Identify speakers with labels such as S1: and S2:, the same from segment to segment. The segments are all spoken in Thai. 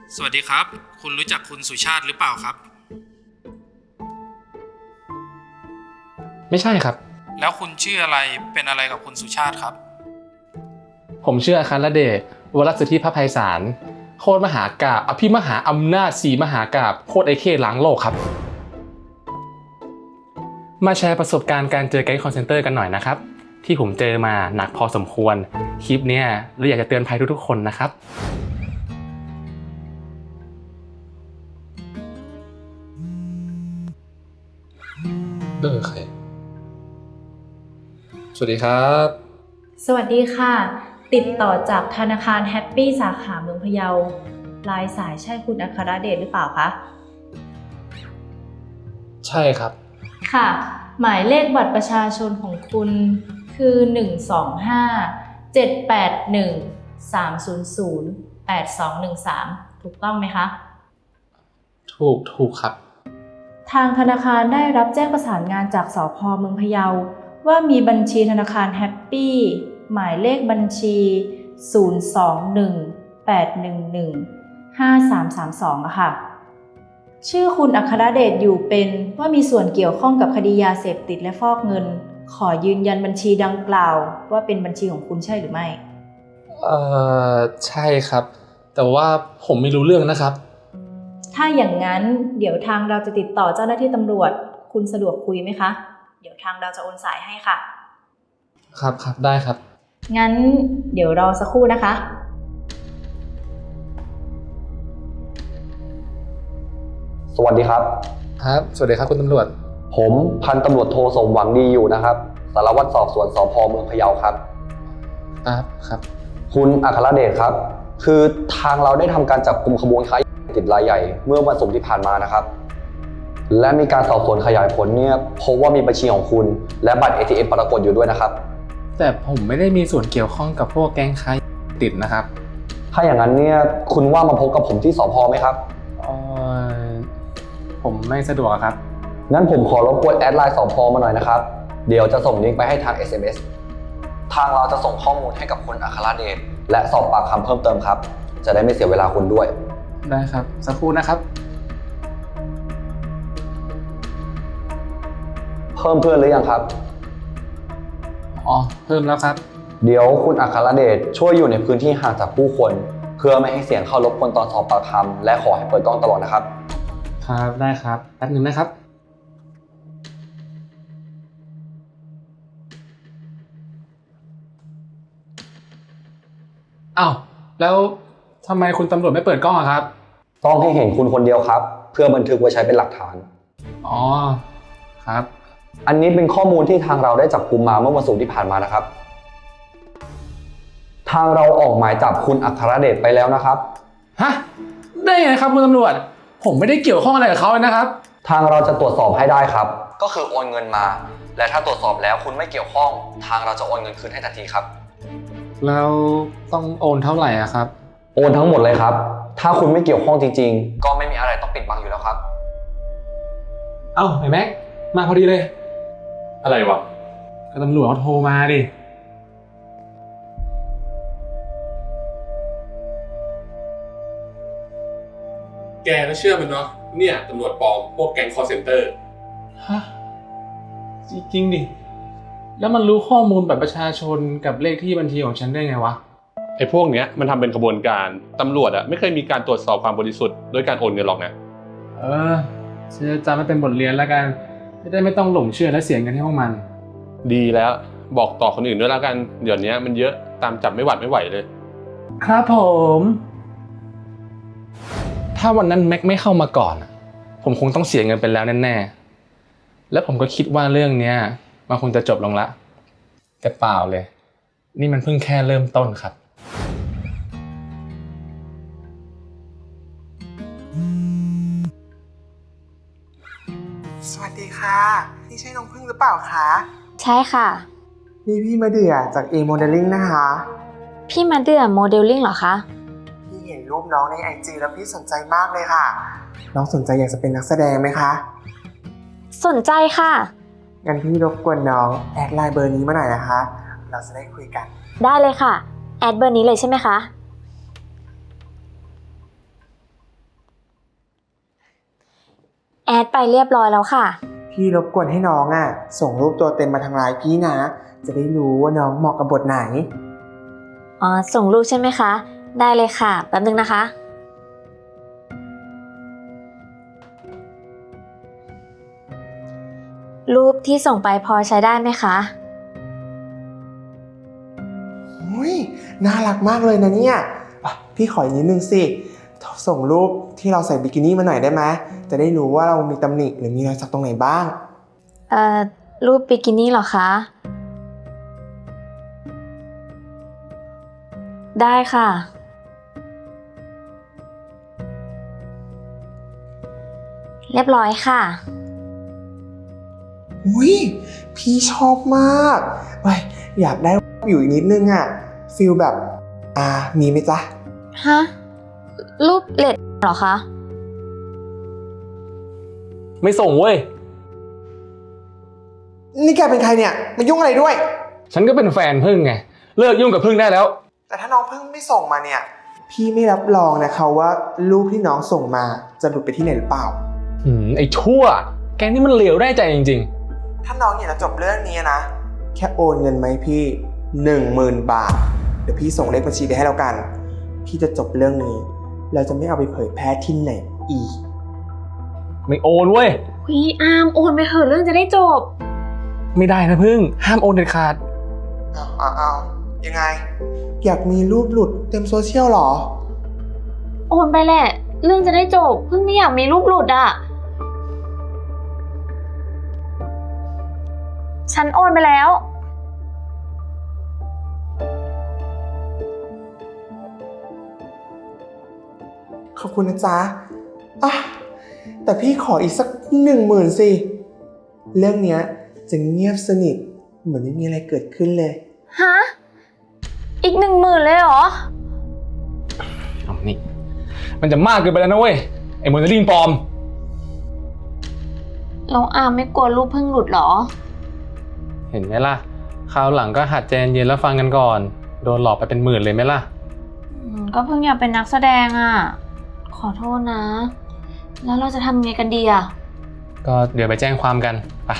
S1: สวัสดีครับคุณรู้จักคุณสุชาติหรือเปล่าครับ
S2: ไม่ใช่ครับ
S1: แล้วคุณชื่ออะไรเป็นอะไรกับคุณสุชาติครับ
S2: ผมชื่ออาคารเดชวรสิทธิพไพศาลโคตรมหากาพย์อภิมหาอำนาจสีมหากาพย์โคตรไอเคล้างโลกครับมาแชร์ประสบการณ์การเจอแก๊งคอลเซ็นเตอร์กันหน่อยนะครับที่ผมเจอมาหนักพอสมควรคลิปเนี้ยเราอยากจะเตือนภัยทุกๆคนนะครับใครสวัสดีครับ
S3: สวัสดีค่ะติดต่อจากธนาคารแฮปปี้สาขาเมืองพะเยาปลายสายใช่คุณอัครเดชหรือเปล่าคะ
S2: ใช่ครับ
S3: ค่ะหมายเลขบัตรประชาชนของคุณคือ125-781-300-8213ถูกต้องไหมคะ
S2: ถูกครับ
S3: ทางธนาคารได้รับแจ้งประสานงานจากสภ.เมืองพะเยาว่ามีบัญชีธนาคารแฮปปี้หมายเลขบัญชี021-811-5332อะค่ะชื่อคุณอัครเดชอยู่เป็นว่ามีส่วนเกี่ยวข้องกับคดียาเสพติดและฟอกเงินขอยืนยันบัญชีดังกล่าวว่าเป็นบัญชีของคุณใช่หรือไม่
S2: ใช่ครับแต่ว่าผมไม่รู้เรื่องนะครับ
S3: ถ้าอย่างนั้นเดี๋ยวทางเราจะติดต่อเจ้าหน้าที่ตำรวจคุณสะดวกคุยไหมคะเดี๋ยวทางเราจะโอนสายให้ค่ะ
S2: ครับได้ครับ
S3: งั้นเดี๋ยวรอสักครู่นะคะ
S4: สวัสดีครับ
S2: ครับสวัสดีครับคุณตำรวจ
S4: ผมพันตำรวจโทสมหวังดีอยู่นะครับสารวัตรสอบสวนสพเมืองพะเยาครับ
S2: ครับ
S4: คุณอัครเดชครับคือทางเราได้ทำการจับกุมขบวนค้ายาเสพติดรายใหญ่เมื่อวันศุกร์ที่ผ่านมานะครับและมีการสอบสวนขยายผลเนี่ยพบว่ามีบัญชีของคุณและบัตร ATM ปรากฏอยู่ด้วยนะครับ
S2: แต่ผมไม่ได้มีส่วนเกี่ยวข้องกับพวกแก๊งค้ายาติดนะครับ
S4: ถ้าอย่างนั้นเนี่ยคุณว่ามาพบกับผมที่สพไหมครับ
S2: ผมไม่สะดวกครับ
S4: งั้นผมขอรบกวนแอดไลน์สพมาหน่อยนะครับเดี๋ยวจะส่งลิงก์ไปให้ทาง SMS ทางเราจะส่งข้อมูลให้กับคุณอัครเดชและสอบปากคำเพิ่มเติมครับจะได้ไม่เสียเวลาคุณด้วย
S2: ได้ครับสักครู่นะครับ
S4: เพิ่มเพื่อนหรือยังครับ
S2: เพิ่มแล้วครับ
S4: เดี๋ยวคุณอัครเดชช่วยอยู่ในพื้นที่ห่างจากผู้คนเพื่อไม่ให้เสียงเข้ารบกวนตอนสอบปากคำและขอให้เปิดกล้องตลอดนะครับ
S2: ครับได้ครับแป๊บนึงนะครับอ้าวแล้วทำไมคุณตำรวจไม่เปิดกล้องอะครับ
S4: ต้องให้เห็นคุณคนเดียวครับเพื่อบันทึกไว้ใช้เป็นหลักฐาน
S2: ครับ
S4: อันนี้เป็นข้อมูลที่ทางเราได้จับกุมมาเมื่อวันศุกร์ที่ผ่านมานะครับทางเราออกหมายจับคุณอัครเดชไปแล้วนะครับ
S2: ฮะได้ไงครับคุณตำรวจผมไม่ได้เกี่ยวข้องอะไรกับเขาเลยนะครับ
S4: ทางเราจะตรวจสอบให้ได้ครับก็คือโอนเงินมาและถ้าตรวจสอบแล้วคุณไม่เกี่ยวข้องทางเราจะโอนเงินคืนให้ทันทีครับ
S2: แล้วต้องโอนเท่าไหร่อะครับ
S4: โอนทั้งหมดเลยครับถ้าคุณไม่เกี่ยวข้องจริงๆก็ไม่มีอะไรต้องปิดบังอยู่แล้วครับ
S2: ไอ้แม็กมาพอดีเลยอะไรวะก็ตำรวจเขาโทรมาดิ
S5: แกก็เชื่อมันเนาะเนี่ยตำรวจปลอมพวกแก๊งคอลเซ็นเตอร์
S2: ฮะจริงดิแล้วมันรู้ข้อมูลบัตรประชาชนกับเลขที่บัญชีของฉันได้ไงวะ
S5: ไอ้พวกเนี้ยมันทำเป็นขบวนการตำรวจอะไม่เคยมีการตรวจสอบความบริสุทธิ์ด้วยการโอนเงินหรอกนะ
S2: ฉันจะจำมันเป็นบทเรียนแล้วกันจะได้ไม่ต้องหลงเชื่อและเสียเงินให้พวกมัน
S5: ดีแล้วบอกต่อคนอื่นด้วยแล้วกันเดี๋ยวนี้มันเยอะตามจับไม่หวัดไม่ไหวเลย
S2: ครับผมถ้าวันนั้นแม็กไม่เข้ามาก่อนผมคงต้องเสียเงินไปแล้วแน่ๆและผมก็คิดว่าเรื่องเนี้ยมันคงจะจบลงละแต่เปล่าเลยนี่มันเพิ่งแค่เริ่มต้นครับ
S6: สวัสดีค่ะนี่ใช่น้องพึ่งหรือเปล่าคะ
S7: ใช่ค่ะ
S6: นี่พี่มาเดือจาก A Modeling นะคะ
S7: พี่มาเดือโมเดลลิ่งเหรอคะ
S6: พี่เห็นรูปน้องใน IG แล้วพี่สนใจมากเลยค่ะน้องสนใจอยากจะเป็นนักแสดงไหมคะ
S7: สนใจค่ะ
S6: งั้นพี่รบกวนน้องแอดไลน์เบอร์นี้มาหน่อยนะคะเราจะได้คุยกัน
S7: ได้เลยค่ะแอดเบอร์นี้เลยใช่ไหมคะแอดไปเรียบร้อยแล้วค่ะ
S6: พี่รบกวนให้น้องส่งรูปตัวเต็มมาทางไลน์พี่นะ จะได้รู้ว่าน้องเหมาะกับบทไหน
S7: อ๋อ ส่งรูปใช่ไหมคะ ได้เลยค่ะ แป๊บนึงนะคะ รูปที่ส่งไปพอใช้ได้ไหมคะ
S6: อุ้ยน่ารักมากเลยนะเนี่ยพี่ขออีกนิดนึงสิ ส่งรูปที่เราใส่บิกินี่มาหน่อยได้ไหมจะได้รู้ว่าเรามีตำหนิหรือมีรอยสักตรงไหนบ้าง
S7: รูปบิกินี่เหรอคะ ได้ค่ะ เรียบร้อยค่ะ
S6: อุ้ยพี่ชอบมากเว้ยอยากได้อยู่อีกนิดนึงฟิลแบบมีไหมจ๊ะ
S7: ฮะ รูปเลดเหรอคะ
S2: ไม่ส่งเว้ย
S6: นี่แกเป็นใครเนี่ยมายุ่งอะไรด้วย
S2: ฉันก็เป็นแฟนพึ่งไง เลิกยุ่งกับพึ่งได้แล้ว
S6: แต่ถ้าน้องเพิ่งไม่ส่งมาเนี่ย พี่ไม่รับรองนะคะว่ารูปที่น้องส่งมาจะหลุดไปที่ไหนหรือเปล่า
S2: ไอ้ชั่ว แกนี่มันเหลวได้ใจจริง
S6: ถ้าน้องอยากจะจบเรื่องนี้นะ แค่โอนเงินมาให้พี่ 10,000 บาท เดี๋ยวพี่ส่งเลขบัญชีไปให้แล้วกัน พี่จะจบเรื่องนี้ เราจะไม่เอาไปเผยแพร่ที่ไหนอีก
S2: ๆ ไม่โอนเว้ย
S7: พี่อาร์มโอนไปเถอะเรื่องจะได้จบ
S2: ไม่ได้นะพึ่ง ห้ามโอนเด็ดขาด
S6: เอายังไง อยากมีรูปหลุดเต็มโซเชียลหรอ
S7: โอนไปแหละ เรื่องจะได้จบ เพิ่งไม่อยากมีรูปหลุดอ่ะ ฉันโอนไปแล้ว
S6: ขอบคุณนะจ๊ะแต่พี่ขออีกสัก 10,000 สิ เรื่องเนี้ยจะเงียบสนิทเหมือนไม่มีอะไรเกิดขึ้นเลย
S7: ฮะ อีก10,000เลยเหรอ
S2: เอานี่ มันจะมากเกินไปแล้วนะเว้ย ไอ้โมเดลลิ่งปลอม
S7: แล้วอาร์มไม่กลัวรูปเพิ่งหลุดเหรอ
S2: เห็นไหมล่ะ คราวหลังก็หัดใจเย็นแล้วฟังกันก่อน โดนหลอกไปเป็น10,000เลยไหมล่ะ
S7: ก็เพิ่งอยากเป็นนักแสดงอ่ะ ขอโทษนะ แล้วเราจะทำไงกันดีอ่ะ
S2: ก็เดี๋ยวไปแจ้งความกันไป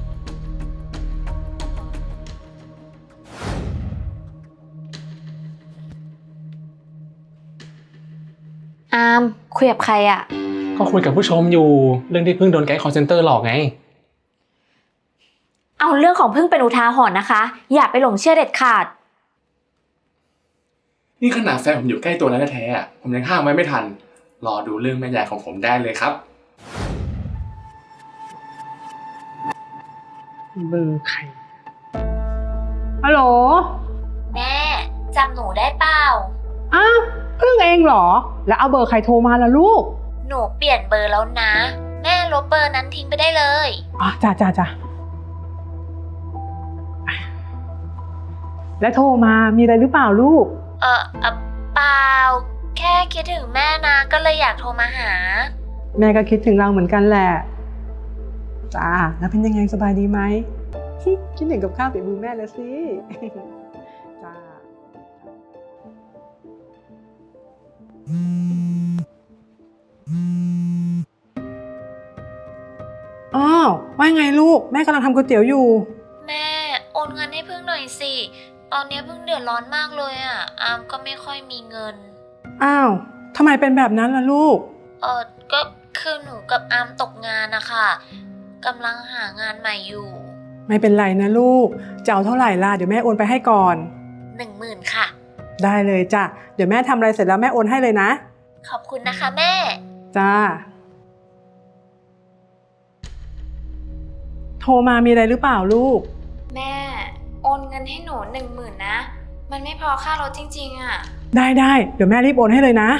S7: อาร์มคุยกับใครอ่ะ
S2: ก็คุยกับผู้ชมอยู่ เรื่องที่เพิ่งโดนแก๊งคอลเซ็นเตอร์หลอกไง
S7: เอาเรื่องของเพิ่งเป็นอุทาหรณ์นะคะ อย่าไปหลงเชื่อเด็ดขาด
S2: นี่ขนาดแฟนผมอยู่ใกล้ตัวแล้วแท้ๆผมยังห้ามไว้ไม่ทัน รอดูเรื่องแม่ยายของผมได้เลยครับ
S8: เบอร์ใครฮัลโหล
S7: แม่จำหนูได้เปล่า
S8: อ้าวเพิ่งเองเหรอ แล้วเอาเบอร์ใครโทรมาล่ะลูก
S7: หนูเปลี่ยนเบอร์แล้วนะ แม่ลบเบอร์นั้นทิ้งไปได้เลย
S8: จ้าแล้วโทรมามีอะไรหรือเปล่าลูก
S7: เปล่า แค่คิดถึงแม่นะ ก็เลยอยากโทรมาหา
S8: แม่ก็คิดถึงเราเหมือนกันแหละจ้าแล้วเป็นยังไงสบายดีไหม คิดถึงกับข้าวฝีมือแม่แล้วสิ จ้าอ้าวว่าไงลูกแม่กำลังทำก๋วยเตี๋ยวอยู่
S7: แม่โอนเงินให้พึ่งหน่อยสิ ตอนนี้พึ่งเดือดร้อนมากเลยอ่ะ อามก็ไม่ค่อยมีเงิน
S8: อ้าวทำไมเป็นแบบนั้นล่ะลูก
S7: ก็คือหนูกับอามตกงานนะคะกำลังหางานใหม่อยู่
S8: ไม่เป็นไรนะลูกจะเอาเท่าไหร่ล่ะเดี๋ยวแม่โอนไปให้ก่อน
S7: 10,000ค่ะ
S8: ได้เลยจ้ะเดี๋ยวแม่ทำอะไรเสร็จแล้วแม่โอนให้เลยนะ
S7: ขอบคุณนะคะแม่
S8: จ้าโทรมามีอะไรหรือเปล่าลูก
S7: แม่โอนเงินให้หนู10,000นะ มันไม่พอค่ารถจริงๆอ่ะ
S8: ได้เดี๋ยวแม่รีบโอนให้เลยนะ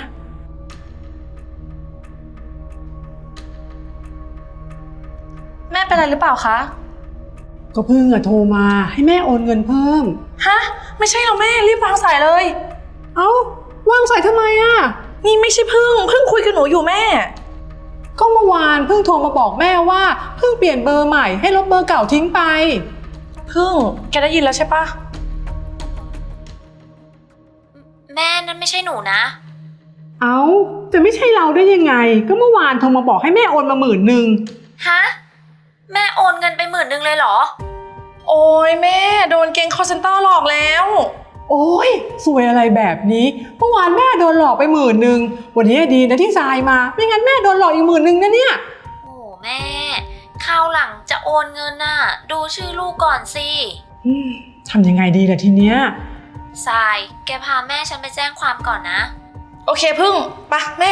S9: แม่เป็นอะไรหรือเปล่าคะ
S8: ก็เพิ่งโทรมาให้แม่โอนเงินเพิ่ม
S9: ฮะ ไม่ใช่หรอกแม่รีบวางสายเลย
S8: เอ้าว่างสายทำไมอ่ะ
S9: นี่ไม่ใช่พึ่งคุยกับหนูอยู่แม่
S8: ก็เมื่อวานเพิ่งโทรมาบอกแม่ว่าเพิ่งเปลี่ยนเบอร์ใหม่ให้ลบเบอร์เก่าทิ้งไป
S9: พึ่งแกได้ยินแล้วใช่ปะ
S7: แม่นั่นไม่ใช่หนูนะ
S8: เอ้าจะไม่ใช่เราได้ยังไง ก็เมื่อวานโทรมาบอกให้แม่โอนมา10,000
S7: ฮะ แม่โอนเงินไป10,000เลยเหรอ
S9: โอ้ยแม่โดนแก๊ง call center หลอกแล้ว
S8: โอ้ยสวยอะไรแบบนี้เมื่อวานแม่โดนหลอกไป10,000วันนี้ดีนะที่ทรายมาไม่งั้นแม่โดนหลอกอีก10,000นะเนี่ย
S7: โอ้แม่ คราวหลังจะโอนเงินน่ะ ดูชื่อลูกก่อนสิ
S8: ทำยังไงดีล่ะทีเนี้ย
S7: ทราย แกพาแม่ฉันไปแจ้งความก่อนนะ
S9: โอเคพึ่งไปแม่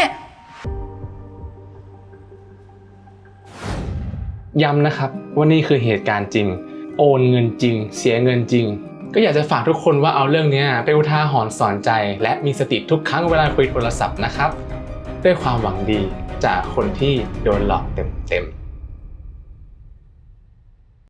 S2: ย้ำนะครับว่านี่คือเหตุการณ์จริง โอนเงินจริง เสียเงินจริง ก็อยากจะฝากทุกคนว่าเอาเรื่องนี้เป็นอุทาหรณ์สอนใจ และมีสติทุกครั้งเวลาคุยโทรศัพท์นะครับด้วยความหวังดีจากคนที่โดนหลอกเต็มๆ